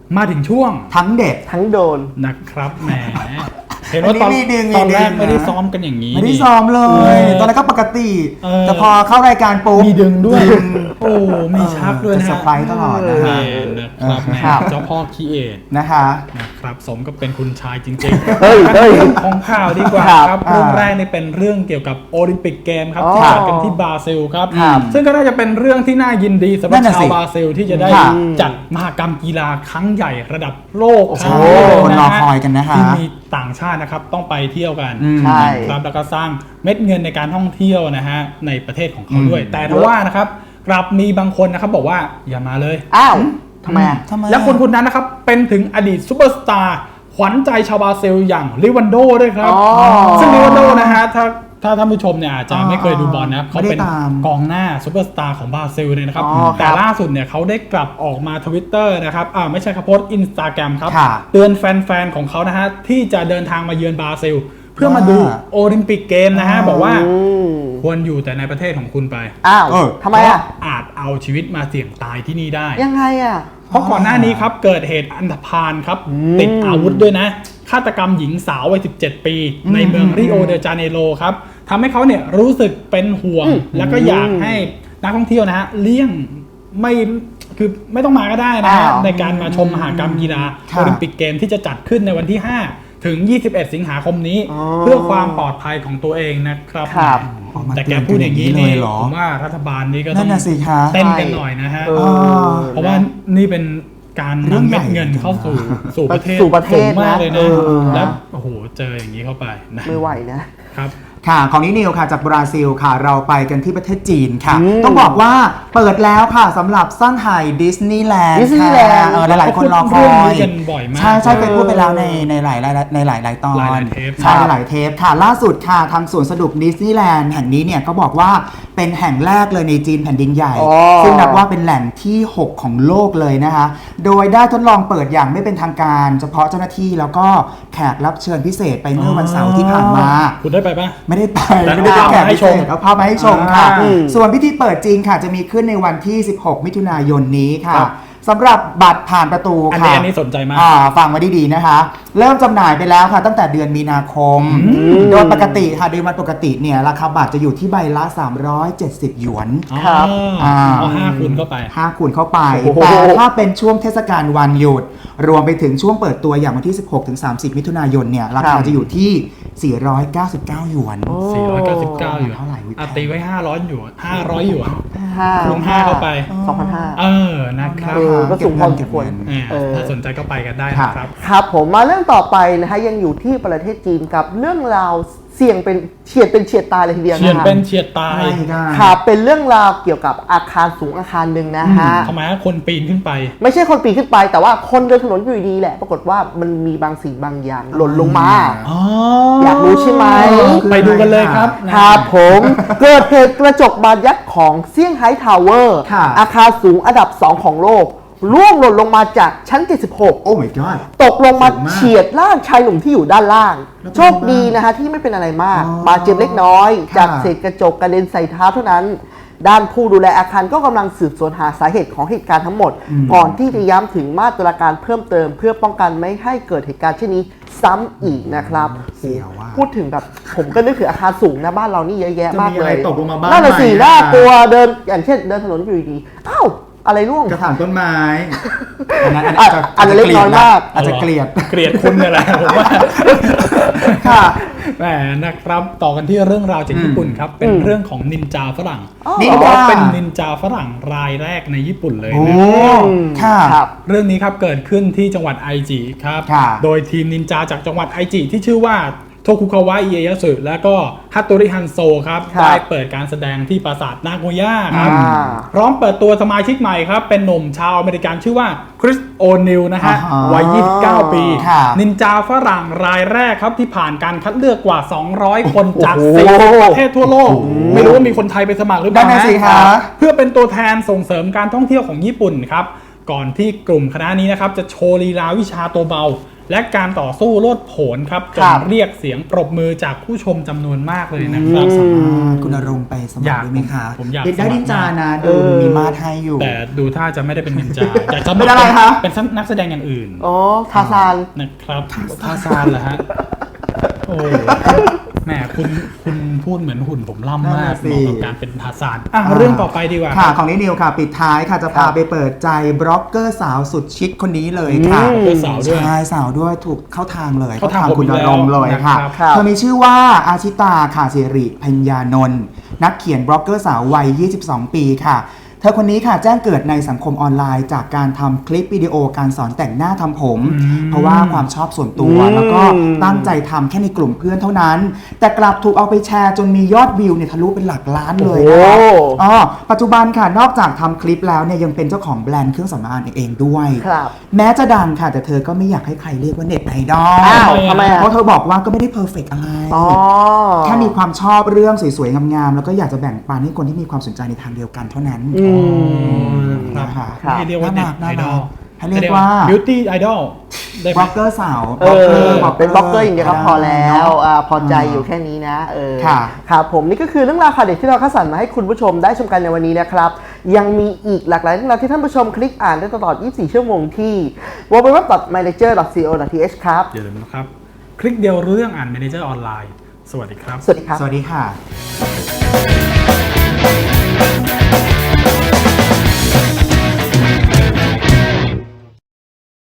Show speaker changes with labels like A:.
A: มาถึงช่วง
B: ทั้งเด็ด
C: ทั้งโดน
A: นะครับแหมเห็นว่าตอนแรกไม่ได้ซ้อมกันอย่างนี้
B: ไม่ได้ซ้อมเลยตอนแรกก็ปกติแต่พอเข้ารายการปุ๊บ
A: มีดึงด้วยโอ้มีชักด้วยนะ
B: เซอร์ไพรส์ตลอด
A: นะครับเจ้าพ่อคีเอท
B: นะคะ
A: นะครับสมก็เป็นคุณชายจริงๆเรื่องของข่าวดีกว่าครับเรื่องแรกนี่เป็นเรื่องเกี่ยวกับโอลิมปิกเกมครับที่จัดกันที่บราซิลครับซึ่งก็น่าจะเป็นเรื่องที่น่ายินดีสำหรับชาวบราซิลที่จะได้จัดมหกรรมกีฬาครั้งใหญ่ระดับโลก
B: คนรอคอยกันนะคะ
A: ที่มีต่างชาตินะครับต้องไปเที่ยวกันครับแล้วก็สร้างเม็ดเงินในการท่องเที่ยวนะฮะในประเทศของเขาด้วยแต่ทว่านะครับกลับมีบางคนนะครับบอกว่าอย่ามาเลย
C: อ้าวทำไม
A: แล้วคนนั้นนะครับเป็นถึงอดีตซูเปอร์สตาร์ขวัญใจชาวบราซิลอย่างลิวันโดด้วยครับซึ่งลิวันโดนะฮะถ้าท่านผู้ชมเนี่ยอาจจะไม่เคยดูบอลนะเขาเป็นกองหน้าซูเปอร์สตาร์ของบราซิลเลยนะครับแต่ล่าสุดเนี่ยเขาได้กลับออกมาทวิตเตอร์นะครับไม่ใช่ครับโพสต์อินสตาแกรมครับเตือนแฟนๆของเขานะฮะที่จะเดินทางมาเยือนบราซิลเพื่อมาดูโอลิมปิกเกมนะฮะบอกว่าควรอยู่แต่ในประเทศของคุณไป
C: อ้าวทำไม
A: อาจเอาชีวิตมาเสี่ยงตายที่นี่ได้
C: ยังไง
A: เพราะก่อนหน้านี้ครับเกิดเหตุอันธพาลครับติดอาวุธด้วยนะฆาตกรรมหญิงสาววัย17 ปีในเมืองริโอเดจาเนโรครับทำให้เขาเนี่ยรู้สึกเป็นห่วงแล้วก็อยากให้นักท่องเที่ยวนะฮะเลี่ยงไม่ต้องมาก็ได้นะฮะในการมาชมมหกรรมกีฬาโอลิมปิกเกมที่จะจัดขึ้นในวันที่5ถึง21สิงหาคมนี้เพื่อความปลอดภัยของตัวเองนะครับแต่แกพูดอย่างนี้นี่ผมว่ารัฐบาลนี้ก็ต้องเต้นกันหน่อยนะฮะเพราะว่านี่เป็นการนำเม็ดเงินเข้าสู่ประเทศสูงมากเลยนะแล้วโอ้โหเจออย่างนี้เข้าไปนะ
C: ไม่ไหวนะครับ
B: ค่ะของนิวค่ะจากบราซิลค่ะเราไปกันที่ประเทศจีนค่ะต้องบอกว่าเปิดแล้วค่ะสำหรับซ่อนไห่ดิสนีย์แลนด์ค่ะหลายคนรอคอยใช่เคยพูดไปแล้วในหลายตอนใช่หลายเทปค่ะล่าสุดค่ะทางสวนสนุกดิสนีย์แลนด์แห่งนี้เนี่ยก็บอกว่าเป็นแห่งแรกเลยในจีนแผ่นดินใหญ่ซึ่งนับว่าเป็นแหล่งที่6ของโลกเลยนะคะโดยได้ทดลองเปิดอย่างไม่เป็นทางการเฉพาะเจ้าหน้าที่แล้วก็แขกรับเชิญพิเศษไปเมื่อวันเสาร์ที่ผ่านมา
A: คุณได้ไปปะ
B: ไม่ได้ไปแขกพิเศษเอาภาพมาให้ชมค่ะส่วนพิธีเปิดจริงค่ะจะมีขึ้นในวันที่16มิถุนายนนี้ค่ะสำหรับบัตรผ่านประตูค่ะ
A: อันนี้สนใจมาก
B: ฟังมาดีๆนะคะเริ่มจำหน่ายไปแล้วค่ะตั้งแต่เดือนมีนาคมโดยปกติค่ะโดยวันปกติเนี่ยราคาบัตรจะอยู่ที่ใบละ370หยวน
A: ครับ5 คูณเข้าไป
B: 5 คูณเข้าไปแต่ถ้าเป็นช่วงเทศกาลวันหยุดรวมไปถึงช่วงเปิดตัวอย่างวันที่16ถึง30มิถุนายนเนี่ยราคาจะอยู่ที่499หยวน
A: 499หยวนเท่าไหร่ตีไว้500หยวน500หยวนคูณ5เข้าไป
C: 2,500
A: นะครับ
C: ก็สูงพอสมควร
A: ถ้าสนใจก็ไปกันได้นะครับ
C: ครับผมมาเรื่องต่อไปนะฮะยังอยู่ที่ประเทศจีนกับเรื่องราวเสี่ยงเป็นเฉียดตายเลยทีเดียวนะ
A: เฉียดเป็นเฉียดตาย
C: ครับเป็นเรื่องราวเกี่ยวกับอาคารสูงอาคารหนึ่งนะฮะ
A: ทำไมคนปีนขึ้นไป
C: ไม่ใช่คนปีนขึ้นไปแต่ว่าคนเดินถนนอยู่ดีแหละปรากฏว่ามันมีบางสิ่งบางอย่างหล่นลงมาอยากรู้ใช่ไหม
A: ไปดูกันเลยครับ
C: ครับผมเกิดเหตุกระจกบานยักษ์ของเซี่ยงไฮ้ทาวเวอร์อาคารสูงอันดับ2ของโลกร่วงหล่นลงมาจากชั้น76
B: โอ้ my god
C: ตกลงมาเฉียดร่างชายหนุ่มที่อยู่ด้านล่างโชคดีนะฮะที่ไม่เป็นอะไรมากบาดเจ็บเล็กน้อยจากเศษกระจกกระเด็นใส่เท้าเท่านั้นด้านผู้ดูแลอาคารก็กำลังสืบสวนหาสาเหตุของเหตุการณ์ทั้งหมดก่อนที่จะย้ำถึงมาตรการเพิ่มเติมเพื่อป้องกันไม่ให้เกิดเหตุการณ์เช่นนี้ซ้ำอีกนะครับพูดถึงแบบผมก็นึกถึงอาคารสูงนะบ้านเรานี่เยอะแยะมากเลยน่าจะสีน่ากลัวเดินอย่างเช่นเดินถนนอยู่ดีอ้าวอะไรร่วง
B: กระถางต้นไม้
C: อันเล็กน้อยมาก
B: อาจจะเกลียด
A: คุณเนี่ยแหละผมว่าค่ะแหมนะครับต่อกันที่เรื่องราวจากญี่ปุ่นครับเป็นเรื่องของนินจาฝรั่งนี่ว่าเป็นนินจาฝรั่งรายแรกในญี่ปุ่นเลยนะครับเรื่องนี้ครับเกิดขึ้นที่จังหวัดไอจิครับโดยทีมนินจาจากจังหวัดไอจิที่ชื่อว่าโทคุคาวะอิเอยะสึและก็ฮัตโตริฮันโซครับได้เปิดการแสดงที่ปราสาทนาโกย่าครับพร้อมเปิดตัวสมาชิกใหม่ครับเป็นหนุ่มชาวอเมริกันชื่อว่าคริสโอนิลนะฮะวัย29ปีนินจาฝรั่งรายแรกครับที่ผ่านการคัดเลือกกว่า200คนจาก10ประเทศทั่วโลกไม่รู้ว่ามีคนไทยไปสมัครหรือเปล่านะเพื่อเป็นตัวแทนส่งเสริมการท่องเที่ยวของญี่ปุ่นครับก่อนที่กลุ่มคณะนี้นะครับจะโชว์ลีลาวิชาตัวเบาและการต่อสู้โลดโผนครับจ
C: ครั
A: น
C: บ
A: เรียกเสียงปรบมือจากผู้ชมจำนวนมากเลยนะครับ
B: สามารถคุณอารมณ์ไปสมัครได้ไหมคะ
A: ผมอยาก
B: เด็กได้
A: สมัคร
B: ดินจานะดูมีมาดให้อยู่
A: แต่ดูท่าจะไม่ได้เป็นนินจาอยากจะ
B: เป็นอะไรคะ
A: เป็นนักแสดงอย่างอื่น
C: อ๋อทาซาน
A: นะครับทาซานเหรอฮะโอ้แหมคุณพูดเหมือนหุ่นผมล่ำมาก
B: นั่นน่ะสิ
A: เหมาะกับการเป็นทาซานเรื่องต่อไปดีกว่า
B: ค่ะของนิวค่ะ ปิดท้ายค่ะจะพาไปเปิดใจบล็อกเกอร์สาวสุดชิคคนนี้เลยค่ะ
A: บล็อกเกอร์สาวด้วย
B: ใช่สาวด้วยถูกเข้าทางเลย
A: เข้าทางผม
B: คุณ
A: อี
B: อาก
A: แล้ว
B: รมณ์เลยค่ะ
A: นะครับ
C: ครับ
B: เธอมีชื่อว่าอาชิตาค่ะสิริพัญญานนท์นักเขียนบล็อกเกอร์สาววัย 22 ปีค่ะ เธอคนนี้ค่ะแจ้งเกิดในสังคมออนไลน์จากการทำคลิปวิดีโอการสอนแต่งหน้าทำผม เพราะว่าความชอบส่วนตัวแล้วก็ตั้งใจทำแค่ในกลุ่มเพื่อนเท่านั้น แต่กลับถูกเอาไปแชร์จนมียอดวิวเนี่ยทะลุเป็นหลักล้านเลยนะคะ
C: โอ้
B: อ๋อปัจจุบันค่ะนอกจากทำคลิปแล้วเนี่ยยังเป็นเจ้าของแบรนด์เครื่องสำอางเองด้วย
C: ครับ
B: แม้จะดังค่ะแต่เธอก็ไม่อยากให้ใครเรียกว่าเน็ตไอดอล
C: อ้าวทำไมอ่ะ
B: เพราะเธอบอกว่าก็ไม่ได้เพอร์เฟกอะไร
C: อ๋อ
B: แค่มีความชอบเรื่องสวยๆงามๆแล้วก็อยากจะแบ่งปันให้คนที่มีความสนใจในทางเดียวกันเท่านั้น
A: ครับ
B: นะคะ
C: ครับ
A: ไม่เรียกว่าเน็ตไอดอล
B: ให้เรียกว่า
A: บิวตี้ไอดอลได้ไหม
B: บล็อกเกอร์สาว
C: เป็นบล็อกเกอร์อย่างเดียวก็พอแล้วพอใจอยู่แค่นี้นะ
B: ค่ะ
C: ครับผมนี่ก็คือเรื่องราวข่าวเด็ดที่เราคัดสรรมาให้คุณผู้ชมได้ชมกันในวันนี้นะครับ ยังมีอีกหลากหลายเรื่องราวที่ท่านผู้ชมคลิกอ่านได้ตลอด 24 ชั่วโมงที่ www.manager.co.th ครับ
A: อย่าลืมนะครับ คลิกเดียวรู้เรื่องอ่าน Manager ออนไลน์ สวัสดีครับ
C: สวัสดีครับ
B: สวัสดีค่ะ